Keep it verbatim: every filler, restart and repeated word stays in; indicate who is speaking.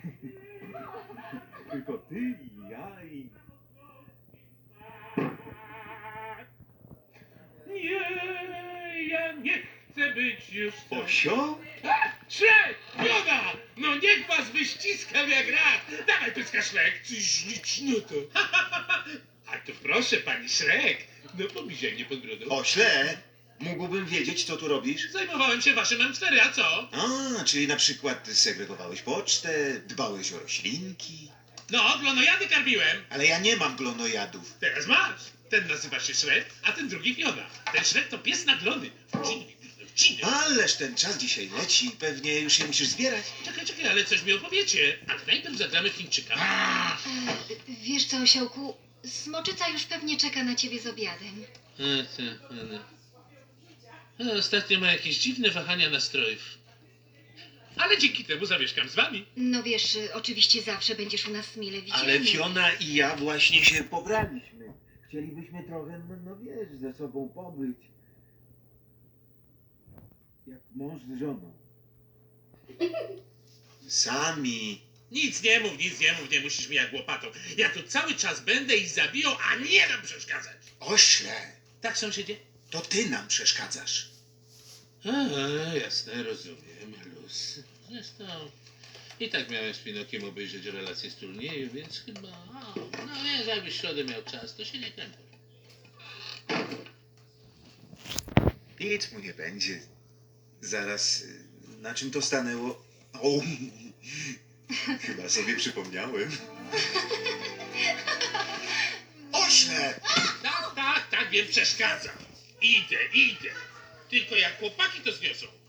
Speaker 1: Tylko ty i ja i...
Speaker 2: Nie, ja nie chcę być już sam.
Speaker 1: Osio?
Speaker 2: Szrek! Joda! No niech was wyściskam jak rak! Dawaj pyska Szrek! Ty ślicznoto! A to proszę, pani Szrek! No pomizaj mnie pod brodą.
Speaker 1: Ośle, mógłbym wiedzieć, co tu robisz?
Speaker 2: Zajmowałem się waszym M cztery, a co?
Speaker 1: A, czyli na przykład segregowałeś pocztę, dbałeś o roślinki.
Speaker 2: No, glonojady karmiłem.
Speaker 1: Ale ja nie mam glonojadów.
Speaker 2: Teraz masz. Ten nazywa się Szrek, a ten drugi Fiona. Ten Szrek to pies na glony. Wciny, wciny.
Speaker 1: Ależ ten czas dzisiaj leci, pewnie już się musisz zbierać.
Speaker 2: Czekaj, czekaj, ale coś mi opowiecie. Ale najpierw zagramy w Chińczyka.
Speaker 3: E, wiesz co, osiołku, smoczyca już pewnie czeka na ciebie z obiadem.
Speaker 2: E, te, ale... E, Ostatnio ma jakieś dziwne wahania nastrojów. Ale dzięki temu zamieszkam z wami.
Speaker 3: No wiesz, y, oczywiście zawsze będziesz u nas mile widziany.
Speaker 1: Ale Fiona i ja właśnie się pobraliśmy. Chcielibyśmy trochę, no, no wiesz, ze sobą pobyć. Jak mąż z żoną. Sami.
Speaker 2: Nic nie mów, nic nie mów, nie musisz mi jak łopatą. Ja tu cały czas będę i zabiją, a nie nam przeszkadzać.
Speaker 1: Ośle,
Speaker 2: Tak, sąsiedzie?
Speaker 1: to ty nam przeszkadzasz.
Speaker 2: A, jasne, rozumiem, luz. Zresztą i tak miałem z Pinokiem obejrzeć relacje z turnieju, więc chyba... O, no wiesz, jakbyś w środę miał czas, to się nie krępuj.
Speaker 1: Nic mu nie będzie. Zaraz, y, na czym to stanęło? O, chyba sobie przypomniałem. Ośle!
Speaker 2: Tak, tak, tak, wiem, przeszkadza. Idę, idę. Tylko jak chłopaki to zniosą.